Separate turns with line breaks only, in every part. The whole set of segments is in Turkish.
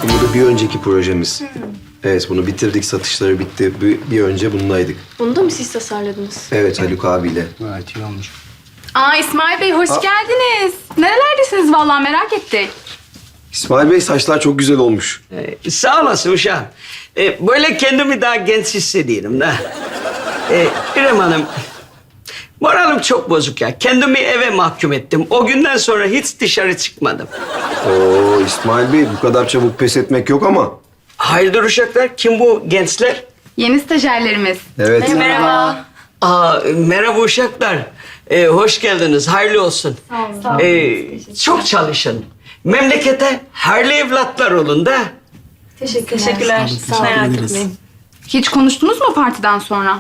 Bu da bir önceki projemiz. Evet, bunu bitirdik, satışları bitti. Bir önce bundaydık.
Bunu da mı siz tasarladınız?
Evet, Haluk abiyle.
Gayet iyi olmuş.
Aa İsmail Bey hoş geldiniz. Nerelerdesiniz vallahi merak ettik.
İsmail Bey, saçlar çok güzel olmuş.
Sağ olasın uşağım. Böyle kendimi daha genç hissediyorum da. İrem Hanım, moralim çok bozuk ya. Kendimi eve mahkum ettim. O günden sonra hiç dışarı çıkmadım.
Oo, İsmail Bey, bu kadar çabuk pes etmek yok ama.
Hayırdır uşaklar? Kim bu gençler?
Yeni stajyerlerimiz.
Evet.
Merhaba.
Merhaba uşaklar. Hoş geldiniz. Hayırlı olsun.
Sağ olun.
Çok çalışın. Memlekete hayırlı evlatlar olun da.
Teşekkürler. Sağ olun. Merak etmeyin.
Hiç konuştunuz mu partiden sonra?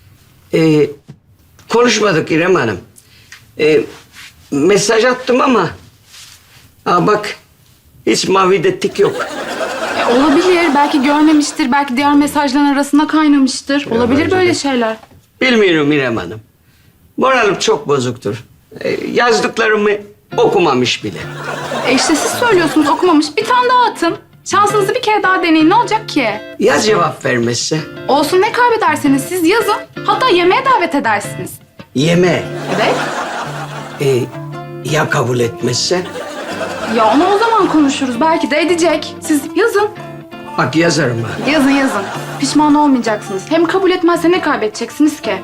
Konuşmadık İrem Hanım. Mesaj attım ama... bak, hiç mavide tik yok.
Olabilir. Belki görmemiştir. Belki diğer mesajların arasında kaynamıştır. Olabilir
bence
böyle
de.
şeyler.
Bilmiyorum İrem Hanım. Moralim çok bozuktur. Yazdıklarımı okumamış bile.
İşte siz söylüyorsunuz okumamış. Bir tane daha atın. Şansınızı bir kere daha deneyin. Ne olacak ki?
Ya cevap vermezse?
Olsun ne kaybederseniz siz yazın. Hatta yemeğe davet edersiniz.
Yeme.
Evet.
Ya kabul etmezse?
Ya onu o zaman konuşuruz. Belki de edecek. Siz yazın.
Bak yazarım ha.
Yazın. Pişman olmayacaksınız. Hem kabul etmezse ne kaybedeceksiniz ki?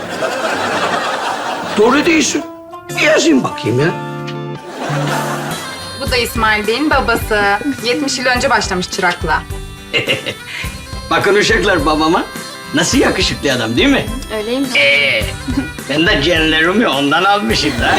Doğru değilsin. Yazayım bakayım ya.
Bu da İsmail Bey'in babası. 70 yıl önce başlamış çırakla.
Bakın uşaklar babama. Nasıl yakışıklı adam değil mi?
Öyleyim.
Ben de genlerimi ondan almışım da.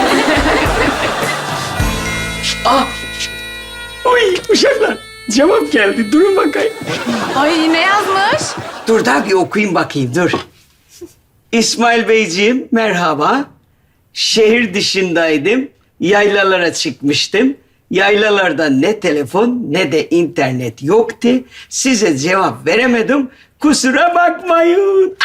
Uy uşaklar. Cevap geldi. Durun bakayım.
Ay ne yazmış?
Dur da bir okuyayım bakayım dur. İsmail Beyciğim merhaba. Şehir dışındaydım. Yaylalara çıkmıştım. Yaylalarda ne telefon ne de internet yoktu. Size cevap veremedim. Kusura bakmayın.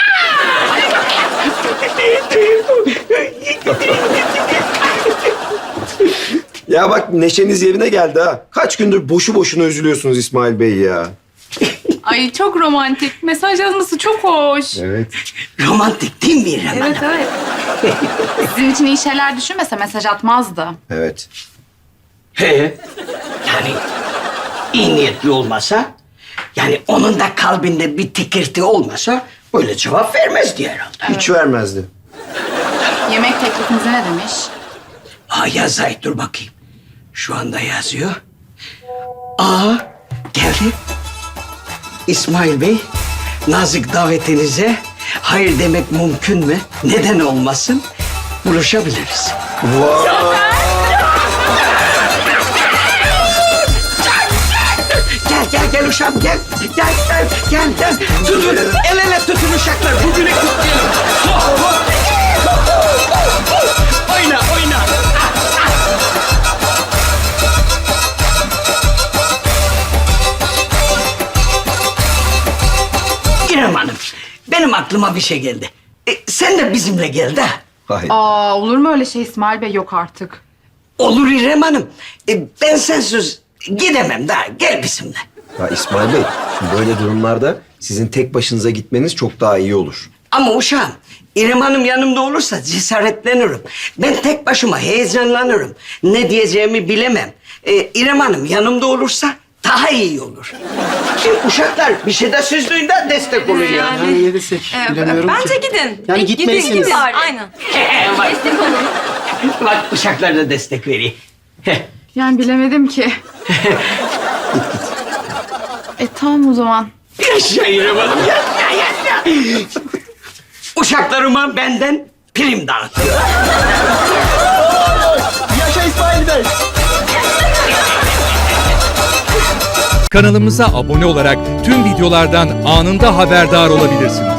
Ya bak, neşeniz yerine geldi ha. Kaç gündür boşu boşuna üzülüyorsunuz İsmail Bey ya.
Ay çok romantik. Mesaj yazması çok hoş.
Evet.
Romantik değil mi İrem Hanım?
Evet. Sizin için iyi şeyler düşünmese mesaj atmazdı.
Evet.
He. Yani iyi niyetli olmasa, yani onun da kalbinde bir tikirti olmasa böyle cevap vermezdi herhalde.
Hiç vermezdi.
Yemek teklifinize ne demiş?
Yazay dur bakayım. Şu anda yazıyor. Geldi. İsmail Bey, nazik davetinize hayır demek mümkün mü? Neden olmasın? Buluşabiliriz. Gel uşağım gel. Gel. Tutun, el ele tutun uşaklar. Bugünü kutlayalım. Oyna. İrem Hanım, benim aklıma bir şey geldi. Sen de bizimle gel de.
Hayır.
Olur mu öyle şey İsmail Bey? Yok artık.
Olur İrem Hanım. Ben sensiz gidemem daha. Gel bizimle.
Ya İsmail Bey, şimdi böyle durumlarda sizin tek başınıza gitmeniz çok daha iyi olur.
Ama uşağım, İrem Hanım yanımda olursa cesaretlenirim. Ben tek başıma heyecanlanırım. Ne diyeceğimi bilemem. İrem Hanım yanımda olursa daha iyi olur. Uşaklar bir şeyde süzdüğünde destek olun ya.
Yani ne desek bilemiyorum
Bence
ki.
gidin.
Yani gitmelisiniz.
Gidin. Aynen. Destek olun.
Bak uşaklar da destek veriyor.
Yani bilemedim ki. Tamam o zaman.
Yaşa İrem Hanım, yaşa. Uşaklarıma benden prim dağıtın.
Yaşa İsmail Bey.
Kanalımıza abone olarak tüm videolardan anında haberdar olabilirsiniz.